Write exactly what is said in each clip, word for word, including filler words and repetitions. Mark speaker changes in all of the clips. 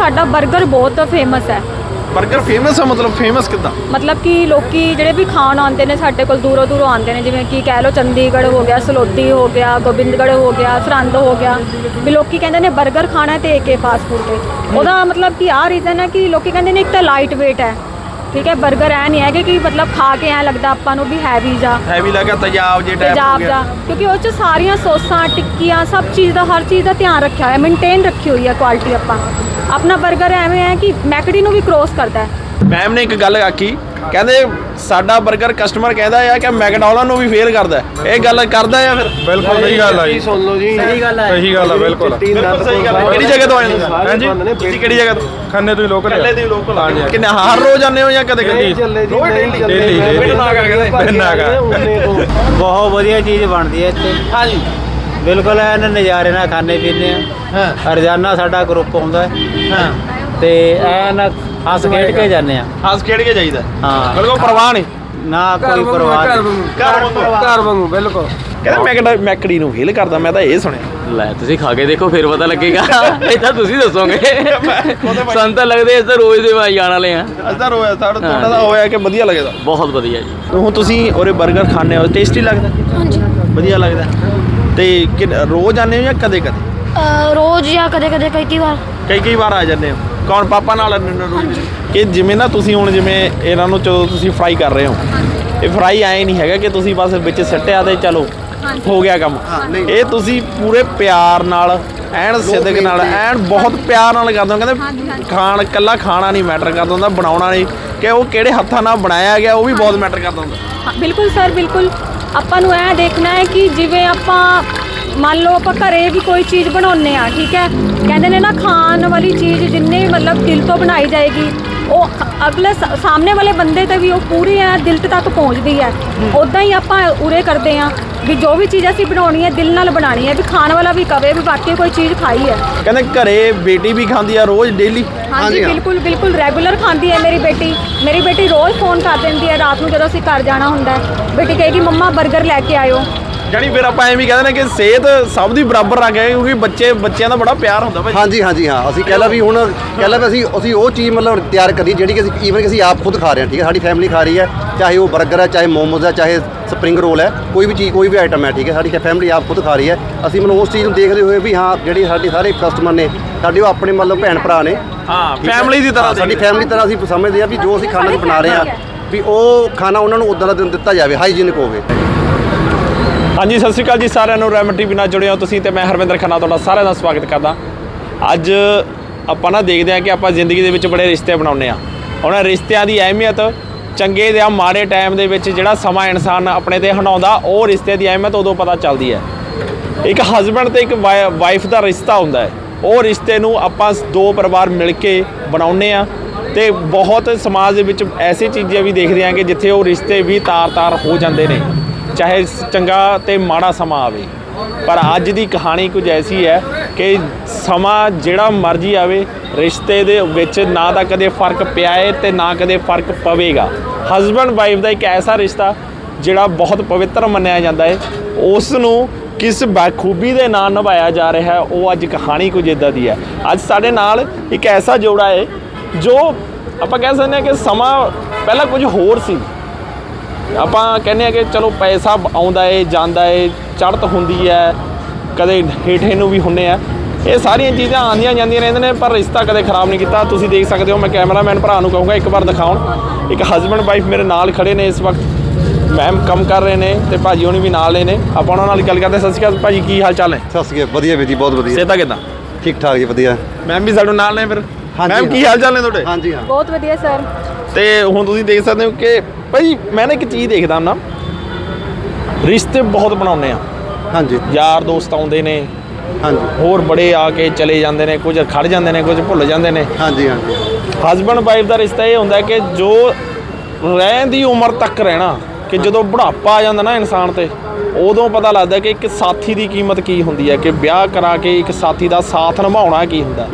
Speaker 1: ਸਾਡਾ 버ਗਰ ਬਹੁਤ ਫੇਮਸ ਹੈ।
Speaker 2: 버ਗਰ ਫੇਮਸ ਹੈ ਮਤਲਬ ਫੇਮਸ ਕਿੱਦਾਂ?
Speaker 1: ਮਤਲਬ ਕਿ ਲੋਕੀ ਜਿਹੜੇ ਵੀ ਖਾਣ ਆਉਂਦੇ ਨੇ ਸਾਡੇ ਕੋਲ ਦੂਰੋਂ ਦੂਰੋਂ ਆਉਂਦੇ ਨੇ, ਜਿਵੇਂ ਕਿ ਕਹਿ ਲਓ ਚੰਡੀਗੜ੍ਹ ਹੋ ਗਿਆ, ਸਲੋਤੀ ਹੋ ਗਿਆ, ਗੋਬਿੰਦਗੜ੍ਹ ਹੋ ਗਿਆ, ਸਰਹੰਦ ਹੋ ਗਿਆ, ਵੀ ਲੋਕੀ ਕਹਿੰਦੇ ਨੇ 버ਗਰ ਖਾਣਾ ਤੇ ਏਕੇ ਫਾਸਟ ਫੂਡ ਤੇ। ਉਹਦਾ ਮਤਲਬ ਕਿ ਆਹ ਰੀਜ਼ਨ ਹੈ ਕਿ ਲੋਕੀ ਕਹਿੰਦੇ ਨੇ ਇੱਕ ਤਾਂ ਲਾਈਟ ਵੇਟ ਹੈ, ਠੀਕ ਹੈ। 버ਗਰ ਐ ਨਹੀਂ ਹੈਗੇ ਕਿ ਮਤਲਬ ਖਾ ਕੇ ਐ ਲੱਗਦਾ ਆਪਾਂ ਨੂੰ ਵੀ ਹੈਵੀ ਜਾ
Speaker 2: ਹੈਵੀ ਲੱਗਾ ਤੇਜ਼ਾਬ ਜੇ ਟਾਈਪ ਹੋ
Speaker 1: ਤੇਜ਼ਾਬ
Speaker 2: ਗਿਆ,
Speaker 1: ਜਾ, ਕਿਉਂਕਿ ਉਹ 'ਚ ਸਾਰੀਆਂ ਸੌਸਾਂ ਟਿੱਕੀਆਂ ਸਭ ਚੀਜ਼ ਦਾ ਹਰ ਚੀਜ਼ ਦਾ ਧਿਆਨ ਰੱਖਿਆ ਹੋਇਆ, ਮੇਨਟੇਨ ਰੱਖੀ ਹੋਈ ਹੈ ਕੁਆਲਿਟੀ। ਆਪਾਂ ਆਪਣਾ 버ਗਰ ਐਵੇਂ ਹੈ ਕਿ ਮੈਕਡੀ ਨੂੰ ਵੀ ਕ੍ਰੋਸ ਕਰਦਾ ਹੈ।
Speaker 2: ਮੈਮ ਨੇ ਇੱਕ ਗੱਲ ਆਖੀ, ਕਹਿੰਦੇ ਸਾਡਾ 버ਗਰ ਕਸਟਮਰ ਕਹਿੰਦਾ ਆ ਕਿ ਮੈਕਡੋਨਲਡ ਨੂੰ ਵੀ ਫੇਲ ਕਰਦਾ। ਇਹ ਗੱਲ ਕਰਦਾ ਆ ਫਿਰ?
Speaker 3: ਬਿਲਕੁਲ ਸਹੀ ਗੱਲ ਆ ਜੀ,
Speaker 4: ਸੁਣ ਲਓ ਜੀ,
Speaker 3: ਸਹੀ ਗੱਲ ਹੈ, ਸਹੀ ਗੱਲ ਆ, ਬਿਲਕੁਲ
Speaker 2: ਬਿਲਕੁਲ ਸਹੀ ਗੱਲ ਹੈ। ਕਿਹੜੀ ਜਗ੍ਹਾ ਤੋਂ ਆਏ ਤੁਸੀਂ?
Speaker 3: ਹਾਂਜੀ
Speaker 2: ਤੁਸੀਂ ਕਿਹੜੀ ਜਗ੍ਹਾ ਤੋਂ?
Speaker 3: ਖੰਨੇ ਤੋਂ ਲੋਕਲ
Speaker 2: ਕੱਲੇ ਦੀ ਲੋਕਲ ਆ? ਕਿੰਨੇ ਹਰ ਰੋਜ਼ ਆਉਂਦੇ ਹੋ ਜਾਂ ਕਦੇ ਕਦੇ?
Speaker 3: ਡੇਲੀ
Speaker 2: ਬਿਨ ਨਾਗਾ ਕਹਿੰਦੇ
Speaker 3: ਬਿਨ ਨਾਗਾ।
Speaker 4: ਬਹੁਤ ਵਧੀਆ ਚੀਜ਼ ਬਣਦੀ ਹੈ ਇੱਥੇ।
Speaker 2: ਹਾਂਜੀ
Speaker 4: ਬਿਲਕੁਲ ਐਨ ਨਜ਼ਾਰੇ ਨਾਲ ਖਾਣੇ ਪੀਂਦੇ ਆ।
Speaker 2: ਹਾਂ
Speaker 4: ਰੋਜ਼ਾਨਾ ਸਾਡਾ ਗਰੁੱਪ ਆਉਂਦਾ ਹੈ
Speaker 2: ਹਾਂ
Speaker 4: ਤੇ ਐਨ ਹੱਸ ਖੇਡ ਕੇ ਜਾਂਦੇ ਆ।
Speaker 2: ਹੱਸ ਖੇਡ ਕੇ ਜਾਈਦਾ,
Speaker 4: ਹਾਂ,
Speaker 2: ਬਿਲਕੁਲ ਪਰਵਾਹ ਨਹੀਂ,
Speaker 4: ਨਾ ਕੋਈ ਪਰਵਾਹ ਨਹੀਂ।
Speaker 2: ਘਰ ਵਾਂਗੂ।
Speaker 3: ਘਰ ਵਾਂਗੂ ਬਿਲਕੁਲ।
Speaker 2: ਕਹਿੰਦਾ ਮੈਕਡਾ ਮੈਕਡੀ ਨੂੰ ਫੇਲ ਕਰਦਾ, ਮੈਂ ਤਾਂ ਇਹ ਸੁਣਿਆ।
Speaker 5: ਲੈ ਤੁਸੀਂ ਖਾ ਕੇ ਦੇਖੋ ਫਿਰ ਪਤਾ ਲੱਗੇਗਾ। ਇਹ ਤਾਂ ਤੁਸੀਂ ਦੱਸੋਗੇ, ਸਾਨੂੰ ਤਾਂ ਲੱਗਦੇ ਇਸ ਤਾਂ ਰੋਜ਼ ਦੇ ਵਾਈ ਜਾਣ ਵਾਲੇ ਆ।
Speaker 2: ਅਸਰ ਹੋਇਆ ਸਾਡਾ ਤੁਹਾਡਾ ਤਾਂ ਹੋਇਆ ਕਿ ਵਧੀਆ ਲੱਗਦਾ।
Speaker 5: ਬਹੁਤ ਵਧੀਆ ਜੀ।
Speaker 2: ਹੁਣ ਤੁਸੀਂ ਉਹਰੇ 버ਗਰ ਖਾਣੇ ਹੋ, ਟੇਸਟੀ ਲੱਗਦਾ?
Speaker 6: ਹਾਂਜੀ।
Speaker 2: ਵਧੀਆ ਲੱਗਦਾ। ਤੇ ਕਿ ਰੋਜ਼ ਆਉਂਦੇ ਹੋ ਜਾਂ ਕਦੇ ਕਦੇ?
Speaker 6: ਰੋਜ਼ ਜਾਂ ਕਦੇ ਕਦੇ ਕਈ ਕਈ ਵਾਰ।
Speaker 2: ਕਈ ਕਈ ਵਾਰ ਆ ਜਾਂਦੇ ਹੋ? ਕੌਣ ਪਾਪਾ ਨਾਲ ਆਉਂਦੇ ਹੋ ਰੋਜ਼? ਕਿ ਜਿਵੇਂ ਨਾ ਤੁਸੀਂ ਹੁਣ ਜਿਵੇਂ ਇਹਨਾਂ ਨੂੰ ਜਦੋਂ ਤੁਸੀਂ ਫਰਾਈ ਕਰ ਰਹੇ ਹੋ, ਇਹ ਫਰਾਈ ਆਏ ਨਹੀਂ ਹੈਗਾ ਕਿ ਤੁਸੀਂ ਬਸ ਵਿੱਚ ਸੱਟਿਆ ਤੇ ਚਲੋ ਹੋ ਗਿਆ ਕੰਮ। ਇਹ ਤੁਸੀਂ ਪੂਰੇ ਪਿਆਰ ਨਾਲ ਐਨ ਸਿੱਧਕ ਨਾਲ ਐਨ ਬਹੁਤ ਪਿਆਰ ਨਾਲ ਕਰਦੇ ਹੋ। ਕਹਿੰਦੇ ਖਾਣ ਇਕੱਲਾ ਖਾਣਾ ਨਹੀਂ ਮੈਟਰ ਕਰਦਾ ਹੁੰਦਾ, ਬਣਾਉਣਾ ਨਹੀਂ, ਕਿ ਉਹ ਕਿਹੜੇ ਹੱਥਾਂ ਨਾਲ ਬਣਾਇਆ ਗਿਆ ਉਹ ਵੀ ਬਹੁਤ ਮੈਟਰ ਕਰਦਾ ਹੁੰਦਾ।
Speaker 1: ਹਾਂ, ਬਿਲਕੁਲ ਸਰ, ਬਿਲਕੁਲ। ਆਪਾਂ ਨੂੰ ਇਹ ਦੇਖਣਾ ਹੈ ਕਿ ਜਿਵੇਂ ਆਪਾਂ ਮੰਨ ਲਓ ਆਪਾਂ ਘਰੇ ਵੀ ਕੋਈ ਚੀਜ਼ ਬਣਾਉਂਦੇ ਆ, ਠੀਕ ਹੈ, ਕਹਿੰਦੇ ਨੇ ਨਾ ਖਾਣ ਵਾਲੀ ਚੀਜ਼ ਜਿੰਨੇ ਮਤਲਬ ਦਿਲ ਤੋਂ ਬਣਾਈ ਜਾਏਗੀ ਉਹ ਅਗਲੇ ਸਾਹਮਣੇ ਵਾਲੇ ਬੰਦੇ ਤੇ ਵੀ ਉਹ ਪੂਰੀ ਹੈ ਦਿਲ ਤੱਕ ਪਹੁੰਚਦੀ ਹੈ। ਉੱਦਾਂ ਹੀ ਆਪਾਂ ਉਰੇ ਕਰਦੇ ਆ ਵੀ ਜੋ ਵੀ ਚੀਜ਼ ਅਸੀਂ ਬਣਾਉਣੀ ਹੈ ਦਿਲ ਨਾਲ ਬਣਾਉਣੀ ਹੈ, ਵੀ ਖਾਣ ਵਾਲਾ ਵੀ ਕਵੇ ਵੀ ਵਾਕਈ ਕੋਈ ਚੀਜ਼ ਖਾਈ ਹੈ।
Speaker 2: ਕਹਿੰਦੇ ਘਰੇ ਬੇਟੀ ਵੀ ਖਾਂਦੀ ਆ ਰੋਜ਼ ਡੇਲੀ?
Speaker 1: ਹਾਂਜੀ ਬਿਲਕੁਲ ਬਿਲਕੁਲ, ਰੈਗੂਲਰ ਖਾਂਦੀ ਹੈ ਮੇਰੀ ਬੇਟੀ। ਮੇਰੀ ਬੇਟੀ ਰੋਜ਼ ਫੋਨ ਕਰ ਦਿੰਦੀ ਹੈ ਰਾਤ ਨੂੰ ਜਦੋਂ ਅਸੀਂ ਘਰ ਜਾਣਾ ਹੁੰਦਾ ਹੈ। ਬੇਟੀ ਕਹੇਗੀ ਮੰਮਾ 버ਗਰ ਲੈ ਕੇ ਆਇਓ।
Speaker 2: ਜਾਨੀ ਫਿਰ ਆਪਾਂ ਐਵੇਂ ਕਹਿੰਦੇ ਨੇ ਕਿ ਸਿਹਤ ਸਭ ਦੀ ਬਰਾਬਰ ਰੱਖ ਕੇ, ਕਿਉਂਕਿ ਬੱਚੇ ਬੱਚਿਆਂ ਦਾ ਬੜਾ ਪਿਆਰ ਹੁੰਦਾ ਭਾਈ।
Speaker 7: ਹਾਂਜੀ ਹਾਂਜੀ ਹਾਂ, ਅਸੀਂ ਕਹਿ ਲਾ ਵੀ ਹੁਣ ਕਹਿ ਲਾ ਵੀ ਅਸੀਂ ਅਸੀਂ ਉਹ ਚੀਜ਼ ਮਤਲਬ ਤਿਆਰ ਕਰੀ ਜਿਹੜੀ ਕਿ ਅਸੀਂ ਈਵਨ ਕਿ ਅਸੀਂ ਆਪ ਖੁਦ ਖਾ ਰਹੇ ਹਾਂ, ਠੀਕ ਹੈ, ਸਾਡੀ ਫੈਮਿਲੀ ਖਾ ਰਹੀ ਹੈ, ਚਾਹੇ ਉਹ 버ਗਰ ਹੈ, ਚਾਹੇ ਮੋਮੋਜ਼ ਹੈ, ਚਾਹੇ ਸਪਰਿੰਗ ਰੋਲ ਹੈ, ਕੋਈ ਵੀ ਚੀਜ਼ ਕੋਈ ਵੀ ਆਈਟਮ ਹੈ, ਠੀਕ ਹੈ, ਸਾਡੀ ਫੈਮਿਲੀ ਆਪ ਖੁਦ ਖਾ ਰਹੀ ਹੈ। ਅਸੀਂ ਮਤਲਬ ਉਸ ਚੀਜ਼ ਨੂੰ ਦੇਖਦੇ ਹੋਏ ਵੀ ਹਾਂ ਜਿਹੜੇ ਸਾਡੇ ਸਾਰੇ ਕਸਟਮਰ ਨੇ ਸਾਡੇ ਉਹ ਆਪਣੇ ਮਤਲਬ ਭੈਣ ਭਰਾ ਨੇ,
Speaker 2: ਹਾਂ ਫੈਮਿਲੀ ਦੀ ਤਰ੍ਹਾਂ
Speaker 7: ਸਾਡੀ ਫੈਮਿਲੀ ਤਰ੍ਹਾਂ ਅਸੀਂ ਸਮਝਦੇ ਹਾਂ ਵੀ ਜੋ ਅਸੀਂ ਖਾਣਾ ਬਣਾ ਰਹੇ ਹਾਂ ਵੀ ਉਹ ਖਾਣਾ ਉਹਨਾਂ ਨੂੰ ਉੱਦਾਂ ਦਾ ਦਿੱਤਾ ਜਾਵੇ, ਹਾਈਜੀਨਿਕ ਹੋਵੇ।
Speaker 2: ਹਾਂਜੀ ਸਤਿ ਸ਼੍ਰੀ ਅਕਾਲ ਜੀ ਸਾਰਿਆਂ ਨੂੰ, ਰੈਮਨ ਟੀਵੀ ਨਾਲ ਜੁੜੇ ਹੋ ਤੁਸੀਂ ਤੇ ਮੈਂ ਹਰਵਿੰਦਰ ਖੰਨਾ ਤੁਹਾਡਾ ਸਾਰਿਆਂ ਦਾ ਸਵਾਗਤ ਕਰਦਾ। ਅੱਜ ਆਪਾਂ ਨਾ ਦੇਖਦੇ ਹਾਂ ਕਿ ਆਪਾਂ ਜ਼ਿੰਦਗੀ ਦੇ ਵਿੱਚ ਬੜੇ ਰਿਸ਼ਤੇ ਬਣਾਉਂਦੇ ਆ। ਉਹਨਾਂ ਰਿਸ਼ਤਿਆਂ ਦੀ ਅਹਿਮੀਅਤ ਚੰਗੇ ਜਾਂ ਮਾੜੇ ਟਾਈਮ ਦੇ ਵਿੱਚ ਜਿਹੜਾ ਸਮਾਂ ਇਨਸਾਨ ਆਪਣੇ ਤੇ ਹੰਡਾਉਂਦਾ, ਉਹ ਰਿਸ਼ਤੇ ਦੀ ਅਹਿਮੀਅਤ ਉਦੋਂ ਪਤਾ ਚੱਲਦੀ ਹੈ। ਇੱਕ ਹਸਬੈਂਡ ਤੇ ਇੱਕ ਵਾਈਫ ਦਾ ਰਿਸ਼ਤਾ ਹੁੰਦਾ ਹੈ, ਉਹ ਰਿਸ਼ਤੇ ਨੂੰ ਆਪਾਂ ਦੋ ਪਰਿਵਾਰ ਮਿਲ ਕੇ ਬਣਾਉਂਦੇ ਆ। ਤੇ ਬਹੁਤ ਸਮਾਜ ਦੇ ਵਿੱਚ ਐਸੀ ਚੀਜ਼ਾਂ ਵੀ ਦੇਖਦੇ ਹਾਂ ਕਿ ਜਿੱਥੇ ਉਹ ਰਿਸ਼ਤੇ ਵੀ ਤਾਰ-ਤਾਰ ਹੋ ਜਾਂਦੇ ਨੇ, ਚਾਹੇ ਚੰਗਾ ਤੇ ਮਾੜਾ ਸਮਾਂ ਆਵੇ। ਪਰ ਅੱਜ ਦੀ ਕਹਾਣੀ ਕੁਝ ਐਸੀ ਹੈ ਕਿ ਸਮਾਂ ਜਿਹੜਾ ਮਰਜ਼ੀ ਆਵੇ, ਰਿਸ਼ਤੇ ਦੇ ਵਿੱਚ ਨਾ ਤਾਂ ਕਦੇ ਫਰਕ ਪਿਆ ਹੈ ਤੇ ਨਾ ਕਦੇ ਫਰਕ ਪਵੇਗਾ। ਹਸਬੈਂਡ ਵਾਈਫ ਦਾ ਇੱਕ ਐਸਾ ਰਿਸ਼ਤਾ ਜਿਹੜਾ ਬਹੁਤ ਪਵਿੱਤਰ ਮੰਨਿਆ ਜਾਂਦਾ ਹੈ, ਉਸ ਨੂੰ ਕਿਸ ਬਾਖੂਬੀ ਦੇ ਨਾਲ ਨਿਭਾਇਆ ਜਾ ਰਿਹਾ ਹੈ, ਉਹ ਅੱਜ ਕਹਾਣੀ ਕੁਝ ਇੱਦਾਂ ਦੀ ਹੈ। ਅੱਜ ਸਾਡੇ ਨਾਲ ਇੱਕ ਐਸਾ ਜੋੜਾ ਹੈ ਜੋ ਆਪਾਂ ਕਹਿ ਸਕਦੇ ਹਾਂ ਕਿ ਸਮਾਂ ਪਹਿਲਾਂ ਕੁਝ ਹੋਰ ਸੀ। ਆਪਾਂ ਕਹਿੰਦੇ ਹਾਂ ਕਿ ਚਲੋ ਪੈਸਾ ਆਉਂਦਾ ਏ ਜਾਂਦਾ ਏ, ਚੜ੍ਹਤ ਹੁੰਦੀ ਹੈ, ਕਦੇ ਹੇਠੇ ਨੂੰ ਵੀ ਹੁੰਦੇ ਆ, ਇਹ ਸਾਰੀਆਂ ਚੀਜ਼ਾਂ ਆਉਂਦੀਆਂ ਜਾਂਦੀਆਂ ਰਹਿੰਦੀਆਂ ਨੇ, ਪਰ ਰਿਸ਼ਤਾ ਕਦੇ ਖਰਾਬ ਨਹੀਂ ਕੀਤਾ। ਤੁਸੀਂ ਦੇਖ ਸਕਦੇ ਹੋ, ਮੈਂ ਕੈਮਰਾਮੈਨ ਭਰਾ ਨੂੰ ਕਹੂੰਗਾ ਇੱਕ ਵਾਰ ਦਿਖਾਉਣ। ਇੱਕ ਹਸਬੈਂਡ ਵਾਈਫ ਮੇਰੇ ਨਾਲ ਖੜੇ ਨੇ ਇਸ ਵਕਤ, ਮੈਮ ਕੰਮ ਕਰ ਰਹੇ ਨੇ ਤੇ ਭਾਜੀ ਹੋਣੀ ਵੀ ਨਾਲ ਨੇ ਨੇ। ਆਪਾਂ ਉਹਨਾਂ ਨਾਲ ਗੱਲ ਕਰਦੇ। ਸਤਿ ਸ਼੍ਰੀ ਅਕਾਲ ਭਾਜੀ, ਕੀ ਹਾਲ ਚਾਲ ਨੇ?
Speaker 7: ਸਤਿ ਸ਼੍ਰੀ ਅਕਾਲ, ਵਧੀਆ ਵੀਰ ਜੀ, ਬਹੁਤ ਵਧੀਆ।
Speaker 2: ਸਿਹਤਾਂ ਕਿੱਦਾਂ?
Speaker 7: ਠੀਕ ਠਾਕ ਜੀ, ਵਧੀਆ।
Speaker 2: ਮੈਮ ਵੀ ਸਾਡੇ ਨਾਲ ਨੇ ਫਿਰ? ਮੈਮ ਕੀ ਹਾਲ ਚਾਲ ਨੇ ਤੁਹਾਡੇ?
Speaker 7: ਹਾਂਜੀ ਹਾਂ,
Speaker 1: ਬਹੁਤ ਵਧੀਆ ਸਰ।
Speaker 2: ਤੇ ਹੁਣ ਤੁਸੀਂ ਦੇਖ ਸਕਦੇ ਹੋ ਕਿ ਭਾਈ ਮੈਂ ਨਾ ਇੱਕ ਚੀਜ਼ ਦੇਖਦਾ ਨਾ, ਰਿਸ਼ਤੇ ਬਹੁਤ ਬਣਾਉਂਦੇ ਆ।
Speaker 7: ਹਾਂਜੀ
Speaker 2: ਯਾਰ ਦੋਸਤ ਆਉਂਦੇ ਨੇ,
Speaker 7: ਹਾਂਜੀ
Speaker 2: ਹੋਰ ਬੜੇ ਆ ਕੇ ਚਲੇ ਜਾਂਦੇ ਨੇ, ਕੁਝ ਖੜ ਜਾਂਦੇ ਨੇ, ਕੁਝ ਭੁੱਲ ਜਾਂਦੇ ਨੇ।
Speaker 7: ਹਾਂਜੀ ਹਾਂਜੀ
Speaker 2: ਹਸਬੈਂਡ ਵਾਈਫ ਦਾ ਰਿਸ਼ਤਾ ਇਹ ਹੁੰਦਾ ਕਿ ਜੋ ਰਹਿਣ ਦੀ ਉਮਰ ਤੱਕ ਰਹਿਣਾ, ਕਿ ਜਦੋਂ ਬੁਢਾਪਾ ਆ ਜਾਂਦਾ ਨਾ ਇਨਸਾਨ ਤੇ, ਉਦੋਂ ਪਤਾ ਲੱਗਦਾ ਕਿ ਇੱਕ ਸਾਥੀ ਦੀ ਕੀਮਤ ਕੀ ਹੁੰਦੀ ਹੈ, ਕਿ ਵਿਆਹ ਕਰਾ ਕੇ ਇੱਕ ਸਾਥੀ ਦਾ ਸਾਥ ਨਿਭਾਉਣਾ ਕੀ ਹੁੰਦਾ।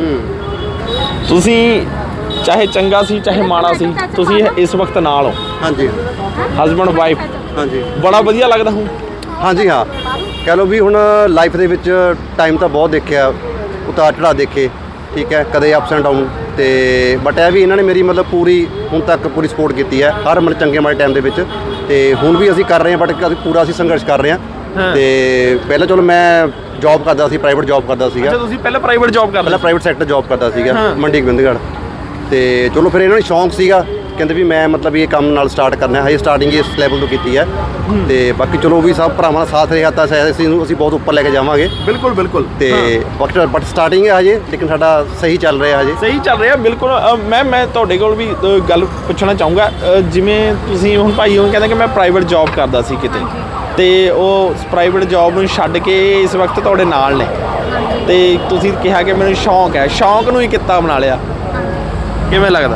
Speaker 2: ਤੁਸੀਂ ਚਾਹੇ ਚੰਗਾ ਸੀ ਚਾਹੇ ਮਾੜਾ ਸੀ, ਤੁਸੀਂ ਇਸ ਵਕਤ ਨਾਲ ਹੋ।
Speaker 7: ਹਾਂਜੀ
Speaker 2: ਹਸਬੈਂਡ ਵਾਈਫ,
Speaker 7: ਹਾਂਜੀ
Speaker 2: ਬੜਾ ਵਧੀਆ ਲੱਗਦਾ ਹੁਣ।
Speaker 7: ਹਾਂਜੀ ਹਾਂ, ਕਹਿ ਲਓ ਵੀ ਹੁਣ ਲਾਈਫ ਦੇ ਵਿੱਚ ਟਾਈਮ ਤਾਂ ਬਹੁਤ ਦੇਖਿਆ, ਉਤਾਰ ਚੜ੍ਹਾਅ ਦੇਖੇ, ਠੀਕ ਹੈ, ਕਦੇ ਅਪਸ ਐਂਡ ਡਾਊਨ। ਤੇ ਬਟ ਇਹ ਵੀ ਇਹਨਾਂ ਨੇ ਮੇਰੀ ਮਤਲਬ ਪੂਰੀ ਹੁਣ ਤੱਕ ਪੂਰੀ ਸਪੋਰਟ ਕੀਤੀ ਹੈ ਹਰ ਮਤਲਬ ਚੰਗੇ ਮਾੜੇ ਟਾਈਮ ਦੇ ਵਿੱਚ। ਤੇ ਹੁਣ ਵੀ ਅਸੀਂ ਕਰ ਰਹੇ ਹਾਂ, ਬਟ ਅਸੀਂ ਪੂਰਾ ਅਸੀਂ ਸੰਘਰਸ਼ ਕਰ ਰਹੇ ਹਾਂ। ਤੇ ਪਹਿਲਾਂ ਚਲੋ ਮੈਂ ਜੌਬ ਕਰਦਾ ਸੀ, ਪ੍ਰਾਈਵੇਟ ਜੌਬ ਕਰਦਾ ਸੀਗਾ।
Speaker 2: ਅੱਛਾ, ਤੁਸੀਂ ਪਹਿਲਾਂ ਪ੍ਰਾਈਵੇਟ ਜੌਬ ਕਰਦੇ
Speaker 7: ਪਹਿਲਾਂ ਪ੍ਰਾਈਵੇਟ ਸੈਕਟਰ ਜੌਬ ਕਰਦਾ ਸੀਗਾ ਮੰਡੀ ਗੋਬਿੰਦਗੜ੍ਹ। ਤੇ ਚਲੋ ਫਿਰ ਇਹਨਾਂ ਨੂੰ ਸ਼ੌਂਕ ਸੀਗਾ, ਕਹਿੰਦੇ ਵੀ ਮੈਂ ਮਤਲਬ ਇਹ ਕੰਮ ਨਾਲ ਸਟਾਰਟ ਕਰਨਾ ਹੈ। ਹਜੇ ਸਟਾਰਟਿੰਗ ਇਸ ਲੈਵਲ ਤੋਂ ਕੀਤੀ ਹੈ। ਤੇ ਬਾਕੀ ਚਲੋ ਵੀ ਸਭ ਭਰਾਵਾਂ ਦਾ ਸਾਥ ਰਿਹਾ ਤਾਂ ਸ਼ਾਇਦ ਅਸੀਂ ਨੂੰ ਅਸੀਂ ਬਹੁਤ ਉੱਪਰ ਲੈ ਕੇ ਜਾਵਾਂਗੇ।
Speaker 2: ਬਿਲਕੁਲ ਬਿਲਕੁਲ।
Speaker 7: ਤੇ ਬਟ ਬਟ ਸਟਾਰਟਿੰਗ ਹੈ ਹਜੇ, ਲੇਕਿਨ ਸਾਡਾ ਸਹੀ ਚੱਲ ਰਿਹਾ ਹਜੇ।
Speaker 2: ਸਹੀ ਚੱਲ ਰਿਹਾ ਬਿਲਕੁਲ। ਮੈਂ ਮੈਂ ਤੁਹਾਡੇ ਕੋਲ ਵੀ ਅ, ਗੱਲ ਪੁੱਛਣਾ ਚਾਹੂੰਗਾ। ਅ, ਜਿਵੇਂ ਤੁਸੀਂ ਹੁਣ ਭਾਈ ਉਹ ਕਹਿੰਦਾ ਕਿ ਮੈਂ ਪ੍ਰਾਈਵੇਟ ਜੌਬ ਕਰਦਾ ਸੀ ਕਿਤੇ, ਤੇ ਉਹ ਪ੍ਰਾਈਵੇਟ ਜੌਬ ਨੂੰ ਛੱਡ ਕੇ ਇਸ ਵਕਤ ਤੁਹਾਡੇ ਨਾਲ ਨੇ, ਤੇ ਤੁਸੀਂ ਕਿਹਾ ਕਿ ਮੈਨੂੰ ਸ਼ੌਂਕ ਹੈ, ਸ਼ੌਂਕ ਨੂੰ ਹੀ ਕਿੱਤਾ ਬਣਾ ਲਿਆ, ਕਿਵੇਂ ਲੱਗਦਾ?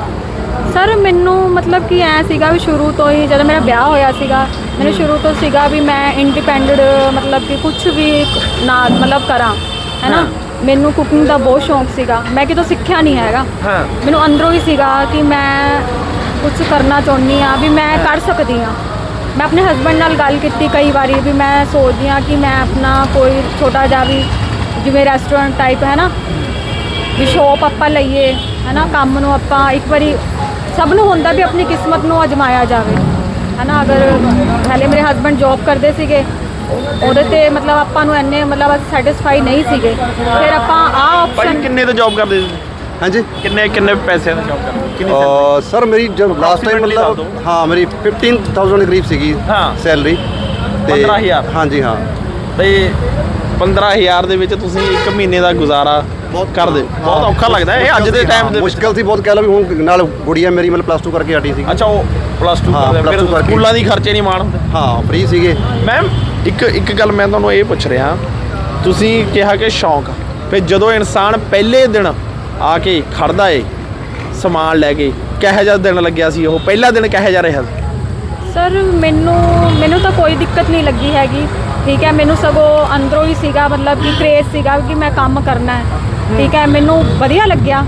Speaker 1: ਸਰ ਮੈਨੂੰ ਮਤਲਬ ਕਿ ਐ ਸੀਗਾ ਵੀ ਸ਼ੁਰੂ ਤੋਂ ਹੀ ਜਦੋਂ ਮੇਰਾ ਵਿਆਹ ਹੋਇਆ ਸੀਗਾ, ਮੈਨੂੰ ਸ਼ੁਰੂ ਤੋਂ ਸੀਗਾ ਵੀ ਮੈਂ ਇੰਡੀਪੈਂਡੈਂਟ ਮਤਲਬ ਕਿ ਕੁਝ ਵੀ ਨਾ ਮਤਲਬ ਕਰਾਂ, ਹੈ ਨਾ। ਮੈਨੂੰ ਕੁਕਿੰਗ ਦਾ ਬਹੁਤ ਸ਼ੌਂਕ ਸੀਗਾ, ਮੈਂ ਕਿਤੋਂ ਸਿੱਖਿਆ ਨਹੀਂ ਹੈਗਾ।
Speaker 2: ਹਾਂ,
Speaker 1: ਮੈਨੂੰ ਅੰਦਰੋਂ ਹੀ ਸੀਗਾ ਕਿ ਮੈਂ ਕੁਝ ਕਰਨਾ ਚਾਹੁੰਦੀ ਹਾਂ, ਵੀ ਮੈਂ ਕਰ ਸਕਦੀ ਹਾਂ। ਮੈਂ ਆਪਣੇ ਹਸਬੈਂਡ ਨਾਲ ਗੱਲ ਕੀਤੀ ਕਈ ਵਾਰੀ ਵੀ ਮੈਂ ਸੋਚਦੀ ਹਾਂ ਕਿ ਮੈਂ ਆਪਣਾ ਕੋਈ ਛੋਟਾ ਜਿਹਾ ਵੀ ਜਿਵੇਂ ਰੈਸਟੋਰੈਂਟ ਟਾਈਪ ਹੈ ਨਾ, ਵੀ ਸ਼ੋਪ ਆਪਾਂ ਲਈਏ, ਹੈ ਨਾ। ਕੰਮ ਨੂੰ ਆਪਾਂ ਇੱਕ ਵਾਰੀ ਸਭ ਨੂੰ ਹੁੰਦਾ ਵੀ ਆਪਣੀ ਕਿਸਮਤ ਨੂੰ ਅਜਮਾਇਆ ਜਾਵੇ, ਹੈ ਨਾ। ਅਗਰ ਪਹਿਲੇ ਮੇਰੇ ਹਸਬੈਂਡ ਜੌਬ ਕਰਦੇ ਸੀਗੇ, ਉਹਦੇ ਤੇ ਮਤਲਬ ਆਪਾਂ ਨੂੰ ਇੰਨੇ ਮਤਲਬ ਸੈਟੀਸਫਾਈ ਨਹੀਂ ਸੀਗੇ। ਫਿਰ ਆਪਾਂ ਆਹ
Speaker 2: ਭਾਈ
Speaker 1: ਆਪਸ਼ਨ
Speaker 2: ਕਿੰਨੇ ਤੋਂ ਜੌਬ ਕਰਦੇ ਸੀ?
Speaker 7: ਹਾਂਜੀ
Speaker 2: ਕਿੰਨੇ ਕਿੰਨੇ ਪੈਸੇ ਦਾ ਜੌਬ ਕਰਦੇ? ਕਿੰਨੀ
Speaker 7: ਅਹ ਸਰ ਮੇਰੀ ਜਦ ਲਾਸਟ ਟਾਈਮ
Speaker 2: Approximately ਦੱਸ
Speaker 7: ਮਤਲਬ
Speaker 2: ਦਿਓ।
Speaker 7: ਹਾਂ ਮੇਰੀ ਫਿਫਟੀਨ ਥਾਊਜ਼ੈਂਡ ਦੇ ਕਰੀਬ ਸੀਗੀ
Speaker 2: ਹਾਂ।
Speaker 7: ਸੈਲਰੀ।
Speaker 2: ਪੰਦਰਾਂ ਹਜ਼ਾਰ?
Speaker 7: ਹਾਂਜੀ ਹਾਂ।
Speaker 2: ਤੇ ਪੰਦਰਾਂ ਹਜ਼ਾਰ ਦੇ ਵਿੱਚ ਤੁਸੀਂ ਇੱਕ ਮਹੀਨੇ ਦਾ ਗੁਜ਼ਾਰਾ ਕਰਦੇ? ਬਹੁਤ ਔਖਾ ਲੱਗਦਾ ਇਹ ਅੱਜ ਦੇ ਟਾਈਮ ਦੇ ਵਿੱਚ।
Speaker 7: ਮੁਸ਼ਕਿਲ ਸੀ ਬਹੁਤ, ਕਹਿ ਲਓ ਵੀ ਹੁਣ ਨਾਲ ਗੁੜੀਆ ਮੇਰੀ ਮਤਲਬ ਪਲੱਸ ਟੂ ਕਰਕੇ ਹਟੀ ਸੀ।
Speaker 2: ਅੱਛਾ, ਉਹ ਪਲੱਸ ਟੂ
Speaker 7: ਹਾਂ,
Speaker 2: ਕਰਦੇ
Speaker 7: plus
Speaker 2: ਫਿਰ
Speaker 7: two ਕਰਕੇ।
Speaker 2: ਸਕੂਲਾਂ ਦੀ ਖਰਚੇ ਨਹੀਂ ਮਾਣ ਹੁੰਦੇ।
Speaker 7: ਹਾਂ ਫ੍ਰੀ ਸੀਗੇ।
Speaker 2: ਮੈਮ ਇੱਕ ਇੱਕ ਗੱਲ ਮੈਂ ਤੁਹਾਨੂੰ ਇਹ ਪੁੱਛ ਰਿਹਾ, ਤੁਸੀਂ ਕਿਹਾ ਕਿ ਸ਼ੌਂਕ, ਫਿਰ ਜਦੋਂ ਇਨਸਾਨ ਪਹਿਲੇ ਦਿਨ ਆ ਕੇ ਖੜਦਾ ਏ ਸਮਾਨ ਲੈ ਕੇ, ਕਿਹੋ ਜਿਹਾ ਦਿਨ ਲੱਗਿਆ ਸੀ ਉਹ ਪਹਿਲਾ ਦਿਨ, ਕਿਹੋ ਜਿਹਾ ਰਿਹਾ?
Speaker 1: ਸਰ ਮੈਨੂੰ ਮੈਨੂੰ ਤਾਂ ਕੋਈ ਦਿੱਕਤ ਨਹੀਂ ਲੱਗੀ ਹੈਗੀ, ਠੀਕ ਹੈ। ਮੈਨੂੰ ਸਗੋਂ ਅੰਦਰੋਂ ਹੀ ਸੀਗਾ ਮਤਲਬ ਕਿ ਕ੍ਰੇਜ਼ ਸੀਗਾ ਕਿ ਮੈਂ ਕੰਮ ਕਰਨਾ ਹੈ, ਠੀਕ ਹੈ। ਮੈਨੂੰ ਵਧੀਆ ਲੱਗਿਆ।